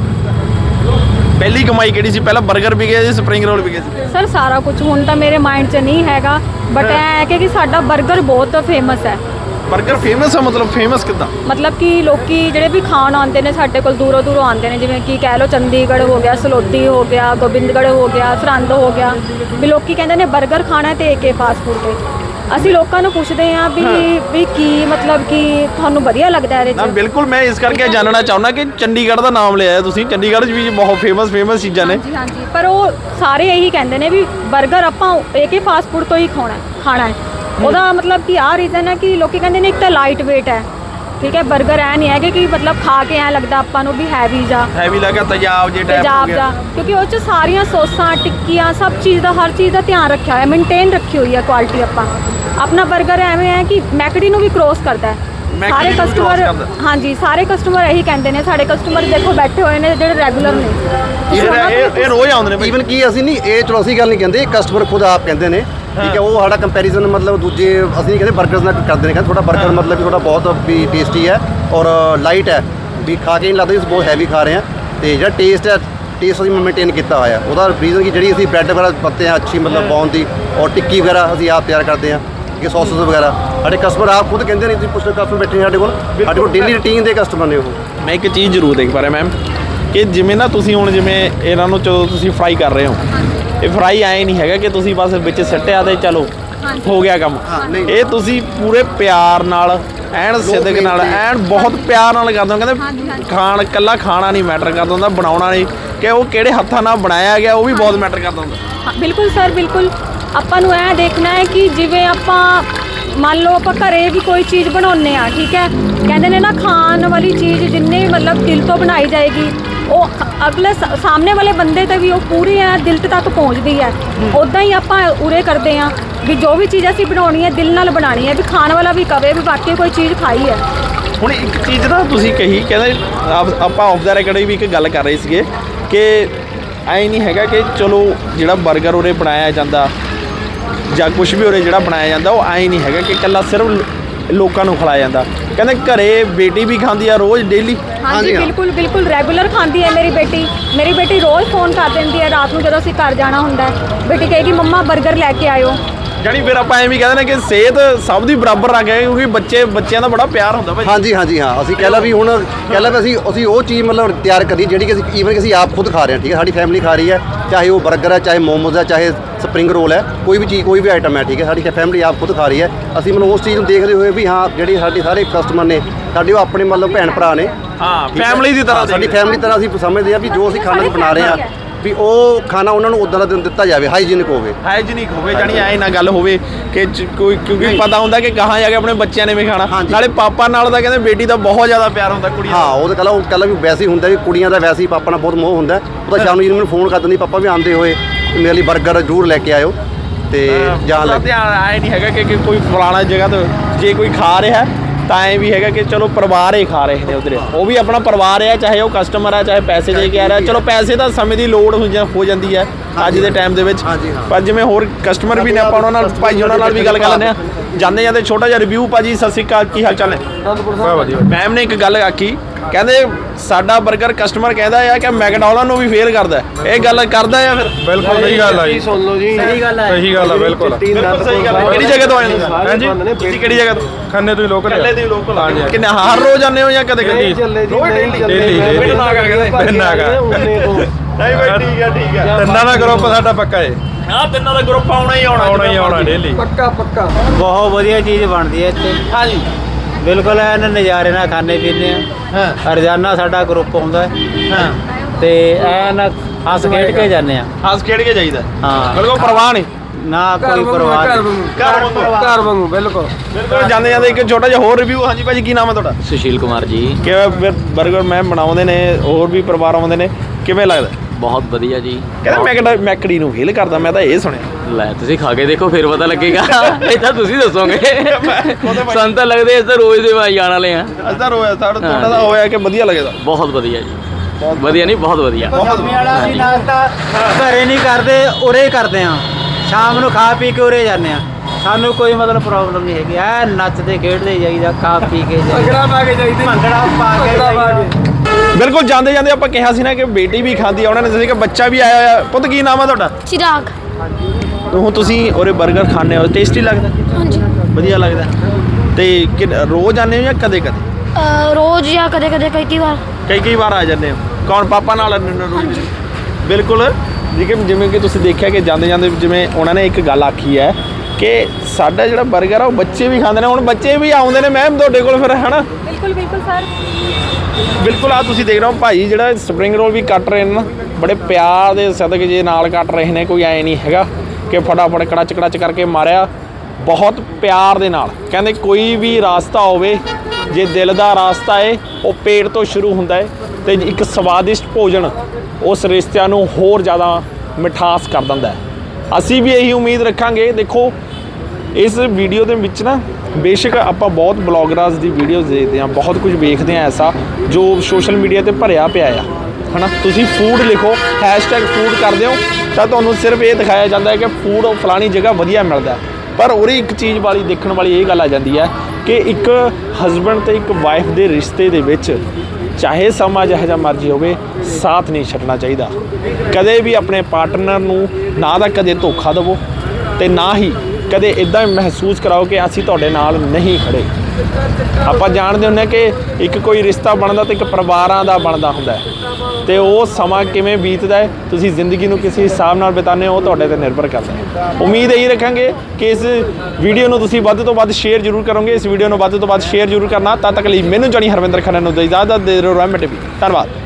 Speaker 2: ਪਹਿਲੀ ਕਮਾਈ ਕਿਹੜੀ ਸੀ? ਪਹਿਲਾਂ 버ਗਰ ਵੀ ਗਏ ਸੀ, ਸਪਰਿੰਗ ਰੋਲ ਵੀ ਗਏ ਸੀ?
Speaker 1: ਸਰ ਸਾਰਾ ਕੁਝ ਹੁਣ ਤਾਂ ਮੇਰੇ ਮਾਈਂਡ 'ਚ ਨਹੀਂ ਹੈਗਾ, ਬਟ ਇਹ ਹੈ ਕਿ ਕਿ ਸਾਡਾ 버ਗਰ ਬਹੁਤ ਫੇਮਸ ਹੈ।
Speaker 2: 버ਗਰ ਫੇਮਸ ਹੈ? ਮਤਲਬ ਫੇਮਸ ਕਿੱਦਾਂ?
Speaker 1: ਮਤਲਬ ਕਿ ਲੋਕੀ ਜਿਹੜੇ ਵੀ ਖਾਣ ਆਉਂਦੇ ਨੇ ਸਾਡੇ ਕੋਲ ਦੂਰੋਂ ਦੂਰੋਂ ਆਉਂਦੇ ਨੇ, ਜਿਵੇਂ ਕਿ ਕਹਿ ਲਓ ਚੰਡੀਗੜ੍ਹ ਹੋ ਗਿਆ, ਸਲੋਤੀ ਹੋ ਗਿਆ, ਗੋਬਿੰਦਗੜ੍ਹ ਹੋ ਗਿਆ, ਸਰਹੰਦ ਹੋ ਗਿਆ, ਵੀ ਲੋਕੀ ਕਹਿੰਦੇ ਨੇ 버ਗਰ ਖਾਣਾ ਤੇ ਏਕੇ ਫਾਸਟ ਫੂਡ ਤੇ। ਅਸੀਂ ਲੋਕਾਂ ਨੂੰ ਪੁੱਛਦੇ ਹਾਂ ਵੀ ਵੀ ਕੀ ਮਤਲਬ ਕਿ ਤੁਹਾਨੂੰ ਵਧੀਆ ਲੱਗਦਾ ਇਹਦੇ
Speaker 2: ਨਾ
Speaker 1: 'ਚ?
Speaker 2: ਬਿਲਕੁਲ, ਮੈਂ ਇਸ ਕਰਕੇ ਜਾਣਨਾ ਚਾਹੁੰਦਾ ਕਿ ਚੰਡੀਗੜ੍ਹ ਦਾ ਨਾਮ ਲਿਆ ਹੈ ਤੁਸੀਂ, ਚੰਡੀਗੜ੍ਹ 'ਚ ਵੀ ਬਹੁਤ ਫੇਮਸ ਫੇਮਸ ਚੀਜ਼ਾਂ ਨੇ।
Speaker 1: ਹਾਂਜੀ ਹਾਂਜੀ, ਪਰ ਉਹ ਸਾਰੇ ਇਹੀ ਕਹਿੰਦੇ ਨੇ ਵੀ 버ਗਰ ਆਪਾਂ ਏਕੇ ਫਾਸਟ ਫੂਡ ਤੋਂ ਹੀ ਖਾਣਾ ਖਾਣਾ ਹੈ। ਉਹਦਾ ਮਤਲਬ ਕਿ ਆਹ ਰੀਜ਼ਨ ਹੈ ਕਿ ਲੋਕੀ ਕਹਿੰਦੇ ਨੇ ਇੱਕ ਤਾਂ ਲਾਈਟ ਵੇਟ ਹੈ, ਠੀਕ ਹੈ। 버ਗਰ ਐ ਨਹੀਂ ਹੈਗੇ ਕਿ ਮਤਲਬ ਖਾ ਕੇ ਐ ਲੱਗਦਾ ਆਪਾਂ ਨੂੰ ਵੀ ਹੈਵੀ ਜਾ
Speaker 2: ਹੈਵੀ ਲੱਗਾ, ਤੇਜ਼ਾਬ ਜੇ ਟਾਈਪ ਹੋ
Speaker 1: ਤੇਜ਼ਾਬ
Speaker 2: ਗਿਆ।
Speaker 1: ਦਾ, ਕਿਉਂਕਿ ਉਹ 'ਚ ਸਾਰੀਆਂ ਸੌਸਾਂ ਟਿੱਕੀਆਂ ਸਭ ਚੀਜ਼ ਦਾ ਹਰ ਚੀਜ਼ ਦਾ ਧਿਆਨ ਰੱਖਿਆ ਹੋਇਆ, ਮੇਨਟੇਨ ਰੱਖੀ ਹੋਈ ਹੈ ਕੁਆਲਿਟੀ। ਆਪਾਂ ਆਪਣਾ 버ਗਰ ਐਵੇਂ ਹੈ ਕਿ ਮੈਕਡੀ ਨੂੰ ਵੀ ਕ੍ਰੋਸ ਕਰਦਾ ਹੈ।
Speaker 2: ਮੈਕਡੀ
Speaker 1: ਸਾਰੇ
Speaker 2: ਨੂੰ cross
Speaker 1: ਕਸਟਮਰ
Speaker 2: ਕਰਦਾ।
Speaker 1: ਹਾਂਜੀ ਸਾਰੇ ਕਸਟਮਰ ਇਹੀ ਕਹਿੰਦੇ ਨੇ। ਸਾਡੇ ਕਸਟਮਰ ਦੇਖੋ ਬੈਠੇ ਹੋਏ ਨੇ ਜਿਹੜੇ ਰੈਗੂਲਰ ਨੇ। ਤੁਸੀਂ
Speaker 2: ਇਹ
Speaker 1: ਉਹਨਾਂ ਤੋਂ
Speaker 2: ਇਹ- ਇਹ ਰੋਜ਼ ਆਉਂਦੇ ਨੇ ਭਾਈ?
Speaker 7: ਈਵਨ ਕੀ ਅਸੀਂ ਨਹੀਂ, ਇਹ ਚਲੋ ਅਸੀਂ ਗੱਲ ਨਹੀਂ ਕਹਿੰਦੇ, ਕਸਟਮਰ ਖੁਦ ਆਪ ਕਹਿੰਦੇ ਨੇ, ਠੀਕ ਹੈ। ਉਹ ਸਾਡਾ ਕੰਪੈਰੀਜ਼ਨ ਮਤਲਬ ਦੂਜੇ ਅਸੀਂ ਨਹੀਂ ਕਹਿੰਦੇ 버ਗਰਸ ਨਾਲ ਕਰਦੇ ਨੇ, ਕਹਿੰਦੇ ਤੁਹਾਡਾ 버ਗਰ ਮਤਲਬ ਕਿ ਤੁਹਾਡਾ ਬਹੁਤ ਵੀ ਟੇਸਟੀ ਹੈ ਔਰ ਲਾਈਟ ਹੈ, ਵੀ ਖਾ ਕੇ ਨਹੀਂ ਲੱਗਦਾ ਅਸੀਂ ਬਹੁਤ ਹੈਵੀ ਖਾ ਰਹੇ ਹਾਂ। ਤੇ ਜਿਹੜਾ ਟੇਸਟ ਹੈ, ਟੇਸਟ ਅਸੀਂ ਮੇਨਟੇਨ ਕੀਤਾ ਹੋਇਆ। ਉਹਦਾ ਰੀਜ਼ਨ ਕਿ ਜਿਹੜੀ ਅਸੀਂ ਬ੍ਰੈਡ ਵਗੈਰਾ ਪੱਤੇ ਹਾਂ ਅੱਛੀ ਮਤਲਬ ਪਾਉਣ ਦੀ, ਔਰ ਟਿੱਕੀ ਵਗੈਰਾ ਅਸੀਂ ਆਪ ਤਿਆਰ ਕਰਦੇ ਹਾਂ, ਕਿ ਸੌਸਸ ਵਗੈਰਾ ਸਾਡੇ ਕਸਟਮਰ ਆਪ ਖੁਦ ਕਹਿੰਦੇ ਨੇ। ਤੁਸੀਂ ਪੁੱਛ ਲਓ, ਕਸਟਮਰ ਬੈਠੇ ਨੇ ਸਾਡੇ ਕੋਲ, ਸਾਡੇ ਕੋਲ ਡੇਲੀ ਰੂਟੀਨ ਦੇ ਕਸਟਮਰ ਨੇ ਉਹ।
Speaker 2: ਮੈਂ ਇੱਕ ਚੀਜ਼ ਜ਼ਰੂਰ ਦੇਖ ਪਾ ਰਿਹਾ ਮੈਮ, ਕਿ ਜਿਵੇਂ ਨਾ ਤੁਸੀਂ ਹੁਣ ਜਿਵੇਂ ਇਹਨਾਂ ਨੂੰ ਜਦੋਂ ਤੁਸੀਂ ਫਰਾਈ ਕਰ ਰਹੇ ਹੋ, ਇਹ ਫਰਾਈ ਐਂ ਨਹੀਂ ਹੈਗਾ ਕਿ ਤੁਸੀਂ ਬਸ ਵਿੱਚ ਸਿੱਟਿਆ ਤੇ ਚਲੋ ਹੋ ਗਿਆ ਕੰਮ।
Speaker 7: ਨਹੀਂ।
Speaker 2: ਇਹ ਤੁਸੀਂ ਪੂਰੇ ਪਿਆਰ ਨਾਲ, ਐਨ ਸਿੱਧਕ ਨਾਲ, ਐਨ ਬਹੁਤ ਪਿਆਰ ਨਾਲ ਕਰਦੇ ਹੋ। ਕਹਿੰਦੇ ਖਾਣ ਇਕੱਲਾ ਖਾਣਾ ਨਹੀਂ ਮੈਟਰ ਕਰਦਾ ਹੁੰਦਾ, ਬਣਾਉਣਾ ਨਹੀਂ, ਕਿ ਉਹ ਕਿਹੜੇ ਹੱਥਾਂ ਨਾਲ ਬਣਾਇਆ ਗਿਆ ਉਹ ਵੀ ਬਹੁਤ ਮੈਟਰ ਕਰਦਾ ਹੁੰਦਾ।
Speaker 1: ਹਾਂ, ਬਿਲਕੁਲ ਸਰ ਬਿਲਕੁਲ। ਆਪਾਂ ਨੂੰ ਇਹ ਦੇਖਣਾ ਹੈ ਕਿ ਜਿਵੇਂ ਆਪਾਂ ਮੰਨ ਲਓ ਆਪਾਂ ਘਰੇ ਵੀ ਕੋਈ ਚੀਜ਼ ਬਣਾਉਂਦੇ ਆ, ਠੀਕ ਹੈ। ਕਹਿੰਦੇ ਨੇ ਨਾ ਖਾਣ ਵਾਲੀ ਚੀਜ਼ ਜਿੰਨੇ ਮਤਲਬ ਦਿਲ ਤੋਂ ਬਣਾਈ ਜਾਏਗੀ, ਉਹ ਅਗਲੇ ਸਾ- ਸਾਹਮਣੇ ਵਾਲੇ ਬੰਦੇ ਤੇ ਵੀ ਉਹ ਪੂਰੀ ਹੈ ਦਿਲ ਤੱਕ ਪਹੁੰਚਦੀ ਹੈ। ਉੱਦਾਂ ਹੀ ਆਪਾਂ ਉਰੇ ਕਰਦੇ ਹਾਂ ਵੀ ਜੋ ਵੀ ਚੀਜ਼ ਅਸੀਂ ਬਣਾਉਣੀ ਹੈ ਦਿਲ ਨਾਲ ਬਣਾਉਣੀ ਹੈ, ਵੀ ਖਾਣ ਵਾਲਾ ਵੀ ਕਵੇ ਵੀ ਵਾਕਈ ਕੋਈ ਚੀਜ਼ ਖਾਈ ਹੈ।
Speaker 2: ਹੁਣ ਇੱਕ ਚੀਜ਼ ਨਾ ਤੁਸੀਂ ਕਹੀ, ਕਹਿੰਦੇ ਆਪ- ਆਪਾਂ ਆਫ ਦਾ ਰੈਕਡ ਵੀ ਇੱਕ ਗੱਲ ਕਰ ਰਹੇ ਸੀਗੇ ਕਿ ਐਂ ਨਹੀਂ ਹੈਗਾ ਕਿ ਚਲੋ ਜਿਹੜਾ 버ਗਰ ਉਰੇ ਬਣਾਇਆ ਜਾਂਦਾ ਜਾਂ ਕੁਝ ਵੀ ਉਰੇ ਜਿਹੜਾ ਬਣਾਇਆ ਜਾਂਦਾ ਉਹ ਐਂ ਨਹੀਂ ਹੈਗਾ ਕਿ ਇਕੱਲਾ ਸਿਰਫ ਲੋਕਾਂ ਨੂੰ ਖਿਲਾਇਆ ਜਾਂਦਾ। ਕਹਿੰਦੇ ਘਰੇ ਬੇਟੀ ਵੀ ਖਾਂਦੀ ਆ ਰੋਜ਼ ਡੇਲੀ।
Speaker 1: ਹਾਂਜੀ ਬਿਲਕੁਲ ਬਿਲਕੁਲ ਰੈਗੂਲਰ ਖਾਂਦੀ ਹੈ ਮੇਰੀ ਬੇਟੀ। ਮੇਰੀ ਬੇਟੀ ਰੋਜ਼ ਫੋਨ ਕਰ ਦਿੰਦੀ ਹੈ ਰਾਤ ਨੂੰ ਜਦੋਂ ਅਸੀਂ ਘਰ ਜਾਣਾ ਹੁੰਦਾ ਹੈ। ਬੇਟੀ ਕਹੇਗੀ ਮੰਮਾ 버ਗਰ ਲੈ ਕੇ ਆਇਓ,
Speaker 2: ਜਾਣੀ ਫਿਰ ਆਪਾਂ ਐਂ ਵੀ ਕਹਿੰਦੇ ਨੇ ਕਿ ਸਿਹਤ ਸਭ ਦੀ ਬਰਾਬਰ ਰੱਖ ਹੈ ਕਿਉਂਕਿ ਬੱਚੇ ਬੱਚਿਆਂ ਦਾ ਬੜਾ ਪਿਆਰ ਹੁੰਦਾ ਭਾਈ।
Speaker 7: ਹਾਂਜੀ ਹਾਂਜੀ ਹਾਂ ਅਸੀਂ ਕਹਿ ਲਾ ਵੀ ਹੁਣ ਕਹਿ ਲਾ ਵੀ ਅਸੀਂ ਅਸੀਂ ਉਹ ਚੀਜ਼ ਮਤਲਬ ਤਿਆਰ ਕਰੀ ਜਿਹੜੀ ਕਿ ਅਸੀਂ ਈਵਨ ਕਿ ਅਸੀਂ ਆਪ ਖੁਦ ਖਾ ਰਹੇ ਹਾਂ ਠੀਕ ਹੈ ਸਾਡੀ ਫੈਮਿਲੀ ਖਾ ਰਹੀ ਹੈ ਚਾਹੇ ਉਹ 버ਗਰ ਹੈ ਚਾਹੇ ਮੋਮੋਜ਼ ਹੈ ਚਾਹੇ ਸਪਰਿੰਗ ਰੋਲ ਹੈ ਕੋਈ ਵੀ ਚੀਜ਼ ਕੋਈ ਵੀ ਆਈਟਮ ਹੈ ਠੀਕ ਹੈ ਸਾਡੀ ਫੈਮਿਲੀ ਆਪ ਖੁਦ ਖਾ ਰਹੀ ਹੈ ਅਸੀਂ ਮਤਲਬ ਉਸ ਚੀਜ਼ ਨੂੰ ਦੇਖਦੇ ਹੋਏ ਵੀ ਹਾਂ ਜਿਹੜੀ ਸਾਡੇ ਸਾਰੇ ਕਸਟਮਰ ਨੇ ਸਾਡੇ ਉਹ ਆਪਣੇ ਮਤਲਬ ਭੈਣ ਭਰਾ ਨੇ
Speaker 2: ਹਾਂ ਫੈਮਿਲੀ ਦੀ ਤਰ੍ਹਾਂ
Speaker 7: ਸਾਡੀ ਫੈਮਿਲੀ ਤਰ੍ਹਾਂ ਅਸੀਂ ਸਮਝਦੇ ਹਾਂ ਵੀ ਜੋ ਅਸੀਂ ਖਾਣਾ ਬਣਾ ਰਹੇ ਹਾਂ ਵੀ ਉਹ ਖਾਣਾ ਉਹਨਾਂ ਨੂੰ ਉਦਾਂ ਦਾ ਦਿੱਤਾ ਜਾਵੇ ਹਾਈਜੀਨਿਕ ਹੋਵੇ
Speaker 2: ਹਾਈਜੀਨਿਕ ਹੋਵੇ ਜਾਣੀ ਐ ਨਾ ਗੱਲ ਹੋਵੇ ਕਿ ਚ- ਕੋਈ ਕਿਉਂਕਿ ਪਤਾ ਹੁੰਦਾ ਕਿ ਗਾਹਾਂ ਜਾ ਕੇ ਆਪਣੇ ਬੱਚਿਆਂ ਨੇ ਵੀ ਖਾਣਾ
Speaker 7: ਹਾਂਜੀ।
Speaker 2: ਨਾਲੇ ਪਾਪਾ ਨਾਲ ਤਾਂ ਕਹਿੰਦੇ ਬੇਟੀ ਦਾ ਬਹੁਤ ਜ਼ਿਆਦਾ ਪਿਆਰ ਹੁੰਦਾ ਕੁੜੀਆਂ
Speaker 7: ਹਾਂ ਉਹ ਤਾਂ ਕਹਿੰਦਾ ਉਹ ਕਹਿੰਦਾ ਵੀ ਵੈਸੇ ਹੀ ਹੁੰਦਾ ਵੀ ਕੁੜੀਆਂ ਦਾ ਵੈਸੇ ਹੀ ਪਾਪਾ ਨਾਲ ਬਹੁਤ ਮੋਹ ਹੁੰਦਾ ਉਹ ਤਾਂ ਸ਼ਾਮ ਨੂੰ ਜਦੋਂ ਮੈਨੂੰ ਫੋਨ ਕਰ ਦਿੰਦੀ ਪਾਪਾ ਵੀ ਆਉਂਦੇ ਹੋਏ ਵੀ ਮੇਰੇ ਲਈ 버ਗਰ ਜ਼ਰੂਰ ਲੈ ਕੇ ਆਇਓ ਤੇ ਜਾਣ
Speaker 2: ਉਹਦਾ
Speaker 7: ਲੱਗ
Speaker 2: ਧਿਆਨ ਆਏ ਨਹੀਂ ਹੈਗਾ ਕਿ ਕਿ ਕੋਈ ਫਲਾਣਾ ਜਗ੍ਹਾ ਤੋਂ ਜੇ ਕੋਈ ਖਾ ਰਿਹਾ ਤਾਂ ਐ ਵੀ ਹੈਗਾ ਕਿ ਚਲੋ ਪਰਿਵਾਰ ਹੀ ਖਾ ਰਹੇ ਨੇ ਉਧਰ ਉਹ ਵੀ ਆਪਣਾ ਪਰਿਵਾਰ ਹੈ ਚਾਹੇ ਉਹ ਕਸਟਮਰ ਹੈ ਚਾਹੇ ਪੈਸੇ ਦੇ ਕੇ ਆ ਰਿਹਾ ਚਲੋ ਪੈਸੇ ਤਾਂ ਸਮੇਂ ਦੀ ਲੋੜ ਹੋ ਜਾ- ਹੋ ਜਾਂਦੀ ਹੈ ਅੱਜ ਦੇ ਟਾਈਮ ਦੇ ਵਿੱਚ
Speaker 7: ਹਾਂਜੀ, ਹਾਂ।
Speaker 2: ਪਰ ਜਿਵੇਂ ਹੋਰ ਕਸਟਮਰ ਵੀ ਨੇ ਆਪਾਂ ਉਹਨਾਂ ਨਾਲ ਭਾਈ ਉਹਨਾਂ ਨਾਲ ਵੀ ਗੱਲ ਕਰ ਲੈਂਦੇ ਆ ਜਾਂਦੇ ਜਾਂਦੇ ਛੋਟਾ ਜਿਹਾ ਰਿਵਿਊ ਭਾਜੀ ਸਤਿ ਸ਼੍ਰੀ ਅਕਾਲ ਕੀ ਹਾਲ ਚਾਲ ਹੈ
Speaker 3: ਬਹੁਤ ਵਧੀਆ
Speaker 2: ਮੈਮ ਨੇ ਇੱਕ ਗੱਲ ਆਖੀ ਕਹਿੰਦੇ ਸਾਡਾ 버ਗਰ ਕਸਟਮਰ ਕਹਿੰਦਾ ਆ ਕਿ ਮੈਕਡੋਨਲਡ ਨੂੰ ਵੀ ਫੇਲ ਕਰਦਾ ਹੈ। ਇਹ ਗੱਲ ਕਰਦਾ ਆ ਫਿਰ
Speaker 3: ਬਿਲਕੁਲ ਸਹੀ ਗੱਲ ਆ ਜੀ ਸੁਣ ਲਓ ਜੀ
Speaker 4: ਸਹੀ ਗੱਲ ਹੈ
Speaker 3: ਸਹੀ ਗੱਲ ਆ ਬਿਲਕੁਲ
Speaker 2: ਬਿਲਕੁਲ ਸਹੀ ਗੱਲ ਹੈ ਕਿਹੜੀ ਜਗ੍ਹਾ ਤੋਂ ਆਏ ਹੋ ਤੁਸੀਂ?
Speaker 3: ਹਾਂਜੀ
Speaker 2: ਤੁਸੀਂ ਕਿਹੜੀ ਜਗ੍ਹਾ ਤੋਂ
Speaker 3: ਖੰਨੇ ਤੋਂ ਹੀ ਲੋਕਲ
Speaker 2: ਕੱਲੇ ਦੀ ਲੋਕਲ
Speaker 3: ਹਾਂਜੀ
Speaker 2: ਕਿੰਨੇ ਹਰ ਰੋਜ਼ ਆਉਂਦੇ ਹੋ ਜਾਂ ਕਦੇ ਕਦੇ
Speaker 3: ਡੇਲੀ ਡੇਲੀ
Speaker 2: ਮੈਨੂੰ ਨਾ ਕਰ ਕਹਿੰਦੇ
Speaker 3: ਬਿੰਨਾ ਕਾ
Speaker 2: ਨਹੀਂ ਬਈ ਠੀਕ ਹੈ ਠੀਕ ਹੈ
Speaker 3: ਤਿੰਨਾਂ ਦਾ ਗਰੁੱਪ ਸਾਡਾ ਪੱਕਾ ਹੈ
Speaker 2: ਹਾਂ ਤਿੰਨਾਂ ਦਾ ਗਰੁੱਪ ਆਉਣਾ ਹੀ ਆਉਣਾ
Speaker 3: ਆਉਣਾ ਹੀ ਆਉਣਾ ਡੇਲੀ
Speaker 4: ਬਹੁਤ ਵਧੀਆ ਚੀਜ਼ ਬਣਦੀ ਹੈ ਇੱਥੇ
Speaker 2: ਹਾਂਜੀ
Speaker 4: ਬਿਲਕੁਲ ਐਨ ਨਜ਼ਾਰੇ ਨਾਲ ਖਾਣੇ ਪੀਂਦੇ ਆ
Speaker 2: ਹਾਂ
Speaker 4: ਰੋਜ਼ਾਨਾ ਸਾਡਾ ਗਰੁੱਪ ਆਉਂਦਾ ਹੈ
Speaker 2: ਹਾਂ
Speaker 4: ਤੇ ਐਨ ਹੱਸ ਖੇਡ ਕੇ ਜਾਂਦੇ ਆ
Speaker 2: ਹੱਸ ਖੇਡ ਕੇ ਜਾਈਦਾ
Speaker 4: ਹਾਂ।
Speaker 2: ਬਿਲਕੁਲ ਪਰਵਾਹ ਨਹੀਂ
Speaker 4: ਨਾ ਕੋਈ ਪਰਵਾਹ ਨਹੀਂ।
Speaker 2: ਘਰ ਵਾਂਗੂ
Speaker 3: ਘਰ ਵਾਂਗੂ ਬਿਲਕੁਲ
Speaker 2: ਬਿਲਕੁਲ ਜਾਂਦੇ ਜਾਂਦੇ ਇੱਕ ਛੋਟਾ ਜਿਹਾ ਹੋਰ ਰਿਵਿਊ ਹਾਂਜੀ ਭਾਜੀ ਕੀ ਨਾਮ ਹੈ ਤੁਹਾਡਾ
Speaker 5: ਸੁਸ਼ੀਲ ਕੁਮਾਰ ਜੀ
Speaker 2: ਕਿਵੇਂ ਫਿਰ 버ਗਰ ਮੈਮ ਬਣਾਉਂਦੇ ਨੇ ਹੋਰ ਵੀ ਪਰਿਵਾਰ ਆਉਂਦੇ ਨੇ ਕਿਵੇਂ ਲੱਗਦਾ
Speaker 5: ਬਹੁਤ ਵਧੀਆ ਜੀ
Speaker 2: ਕਹਿੰਦਾ ਮੈਕਡਾ ਮੈਕੜੀ ਨੂੰ ਫੇਲ ਕਰਦਾ ਮੈਂ ਤਾਂ ਇਹ ਸੁਣਿਆ
Speaker 5: ਲੈ ਤੁਸੀਂ ਖਾ ਕੇ ਦੇਖੋ ਫਿਰ ਪਤਾ ਲੱਗੇਗਾ ਇਹ ਤਾਂ ਤੁਸੀਂ ਦੱਸੋਗੇ ਸਾਨੂੰ ਤਾਂ ਲੱਗਦੇ ਇਸ ਤਾਂ ਰੋਜ਼ ਦੇ ਵਾਈ ਜਾਣ ਵਾਲੇ ਆ
Speaker 2: ਅਸਰ ਹੋਇਆ ਸਾਡਾ ਤੁਹਾਡਾ ਤਾਂ ਹੋਇਆ ਕਿ ਵਧੀਆ ਲੱਗਦਾ
Speaker 5: ਬਹੁਤ ਵਧੀਆ ਜੀ ਵਧੀਆ ਨਹੀਂ ਬਹੁਤ ਵਧੀਆ
Speaker 4: ਸ਼ਾਮੀ ਵਾਲਾ ਅਸੀਂ ਨਾਸ਼ਤਾ ਘਰੇ ਨਹੀਂ ਕਰਦੇ ਉਰੇ ਹੀ ਕਰਦੇ ਆ ਸ਼ਾਮ ਨੂੰ ਖਾ ਪੀ ਕੇ ਉਰੇ ਜਾਂਦੇ ਆ ਸਾਨੂੰ ਕੋਈ ਮਤਲਬ ਪ੍ਰੋਬਲਮ ਨਹੀਂ ਹੈਗੀ ਐ ਨੱਚਦੇ ਖੇਡਦੇ ਜਾਈਦਾ ਖਾ ਪੀ ਕੇ ਜਾਈਦਾ
Speaker 3: ਪਾ ਕੇ ਜਾਈਦੀ
Speaker 4: ਭੰਗੜਾ ਪਾ ਕੇ ਜਾਈਦਾ
Speaker 2: ਬਿਲਕੁਲ ਜਾਂਦੇ ਜਾਂਦੇ ਆਪਾਂ ਕਿਹਾ ਸੀ ਨਾ ਕਿ ਬੇਟੀ ਵੀ ਖਾਂਦੀ ਆ ਉਹਨਾਂ ਨੇ ਦੱਸਿਆ ਕਿ ਬੱਚਾ ਵੀ ਆਇਆ ਹੋਇਆ ਪੁੱਤ ਕੀ ਨਾਮ ਆ ਤੁਹਾਡਾ
Speaker 6: ਚਿਰਾਗ
Speaker 2: ਹੁਣ ਤੁਸੀਂ ਉਹਰੇ 버ਗਰ ਖਾਂਦੇ ਹੋ ਟੇਸਟੀ ਲੱਗਦਾ
Speaker 6: ਹਾਂਜੀ
Speaker 2: ਵਧੀਆ ਲੱਗਦਾ ਤੇ ਕਿ ਰੋਜ਼ ਆਉਂਦੇ ਹੋ ਜਾਂ ਕਦੇ ਕਦੇ
Speaker 6: ਅ, ਰੋਜ਼ ਜਾਂ ਕਦੇ ਕਦੇ ਕਈ ਕਈ ਵਾਰ
Speaker 2: ਕਈ ਕਈ ਵਾਰ ਆ ਜਾਂਦੇ ਹੋ ਕੌਣ ਪਾਪਾ ਨਾਲ ਆਉਂਦੇ ਹੋ ਰੋਜ਼? ਬਿਲਕੁਲ ਜਿਵੇਂ ਜਿਵੇਂ ਕਿ ਤੁਸੀਂ ਦੇਖਿਆ ਕਿ ਜਾਂਦੇ ਜਾਂਦੇ ਜਿਵੇਂ ਉਹਨਾਂ ਨੇ ਇੱਕ ਗੱਲ ਆਖੀ ਹੈ ਕਿ ਸਾਡਾ ਜਿਹੜਾ 버ਗਰ ਆ ਉਹ ਬੱਚੇ ਵੀ ਖਾਂਦੇ ਨੇ ਹੁਣ ਬੱਚੇ ਵੀ ਆਉਂਦੇ ਨੇ ਮੈਮ ਤੁਹਾਡੇ ਕੋਲ ਫਿਰ ਹਨਾ
Speaker 1: ਬਿਲਕੁਲ ਬਿਲਕੁਲ ਸਰ
Speaker 2: ਬਿਲਕੁਲ ਆ ਤੁਸੀਂ ਦੇਖ ਰਹੇ ਹੋ ਭਾਈ ਜਿਹੜਾ ਸਪਰਿੰਗ ਰੋਲ ਵੀ ਕੱਟ ਰਹੇ ਨੇ ਨਾ ਬੜੇ ਪਿਆਰ ਦੇ ਸਦਕੇ ਜੇ ਨਾਲ ਕੱਟ ਰਹੇ ਨੇ ਕੋਈ ਐ ਨਹੀਂ ਹੈਗਾ ਕਿ ਫਟਾਫਟ ਕੜਚ ਕੜਚ ਕਰਕੇ ਮਾਰਿਆ ਬਹੁਤ ਪਿਆਰ ਦੇ ਨਾਲ ਕਹਿੰਦੇ ਕੋਈ ਵੀ ਰਾਸਤਾ ਹੋਵੇ ਜੇ ਦਿਲ ਦਾ ਰਾਸਤਾ ਏ ਉਹ ਪੇਟ ਤੋਂ ਸ਼ੁਰੂ ਹੁੰਦਾ ਏ ਤੇ ਇੱਕ ਸਵਾਦਿਸ਼ਟ ਭੋਜਨ ਉਸ ਰਿਸ਼ਤਿਆਂ ਨੂੰ ਹੋਰ ਜ਼ਿਆਦਾ ਮਿਠਾਸ ਕਰ ਦਿੰਦਾ ਹੈ ਅਸੀਂ ਵੀ ਇਹੀ ਉਮੀਦ ਰੱਖਾਂਗੇ ਦੇਖੋ ਇਸ ਵੀਡੀਓ ਦੇ ਵਿੱਚ ਨਾ ਬੇਸ਼ੱਕ ਆਪਾਂ ਬਹੁਤ ਬਲੌਗਰਸ ਦੀ ਵੀਡੀਓਜ਼ ਦੇਖਦੇ ਹਾਂ ਬਹੁਤ ਕੁਝ ਵੇਖਦੇ ਹਾਂ ਐਸਾ ਜੋ ਸੋਸ਼ਲ ਮੀਡੀਆ ਤੇ ਭਰਿਆ ਪਿਆ ਆ ਹਨਾ ਤੁਸੀਂ ਫੂਡ ਲਿਖੋ ਹੈਸ਼ਟੈਗ ਫੂਡ ਕਰਦੇ ਹੋ ਤਾਂ ਤੁਹਾਨੂੰ ਸਿਰਫ ਇਹ ਦਿਖਾਇਆ ਜਾਂਦਾ ਹੈ ਕਿ ਫੂਡ ਫਲਾਣੀ ਜਗ੍ਹਾ ਵਧੀਆ ਮਿਲਦਾ ਪਰ ਉਹਦੀ ਇੱਕ ਚੀਜ਼ ਵਾਲੀ ਦੇਖਣ ਵਾਲੀ ਇਹ ਗੱਲ ਆ ਜਾਂਦੀ ਹੈ ਕਿ ਇੱਕ ਹਸਬੈਂਡ ਤੇ ਇੱਕ ਵਾਈਫ ਦੇ ਰਿਸ਼ਤੇ ਦੇ ਵਿੱਚ ਚਾਹੇ ਸਮਾਂ ਜਿਹੋ ਜਿਹਾ ਮਰਜ਼ੀ ਹੋਵੇ ਸਾਥ ਨਹੀਂ ਛੱਡਣਾ ਚਾਹੀਦਾ ਕਦੇ ਵੀ ਆਪਣੇ ਪਾਰਟਨਰ ਨੂੰ ਨਾ ਤਾਂ ਕਦੇ ਧੋਖਾ ਦੇਵੋ ਤੇ ਨਾ ਹੀ ਕਦੇ ਇਦਾਂ ਮਹਿਸੂਸ ਕਰਾਓ ਕਿ ਅਸੀਂ ਤੁਹਾਡੇ ਨਾਲ ਨਹੀਂ ਖੜੇ ਆਪਾਂ ਜਾਣਦੇ ਹੁੰਦੇ ਕਿ ਇੱਕ ਕੋਈ ਰਿਸ਼ਤਾ ਬਣਦਾ ਤੇ ਇੱਕ ਪਰਿਵਾਰਾਂ ਦਾ ਬਣਦਾ ਹੁੰਦਾ ਹੈ ਤੇ ਉਹ ਸਮਾਂ ਕਿਵੇਂ ਬੀਤਦਾ ਹੈ ਤੁਸੀਂ ਜ਼ਿੰਦਗੀ ਨੂੰ ਕਿਸੇ ਹਿਸਾਬ ਨਾਲ ਬਿਤਾਉਂਦੇ ਹੋ ਉਹ ਤੁਹਾਡੇ ਤੇ ਨਿਰਭਰ ਕਰਦਾ ਹੈ ਉਮੀਦ ਇਹੀ ਰੱਖਾਂਗੇ ਕਿ ਇਸ ਵੀਡੀਓ ਨੂੰ ਤੁਸੀਂ ਵੱਧ ਤੋਂ ਵੱਧ ਸ਼ੇਅਰ ਜ਼ਰੂਰ ਕਰੋਗੇ ਇਸ ਵੀਡੀਓ ਨੂੰ ਵੱਧ ਤੋਂ ਵੱਧ ਸ਼ੇਅਰ ਜ਼ਰੂਰ ਕਰਨਾ ਤਦ ਤੱਕ ਲਈ ਮੈਨੂੰ ਜਾਣੀ ਹਰਵਿੰਦਰ ਖੰਨਾ ਨੂੰ ਇਜਾਜ਼ਤ ਦੇ ਰਹੇ ਹੋ ਰੈਮ ਟੀ ਵੀ ਧੰਨਵਾਦ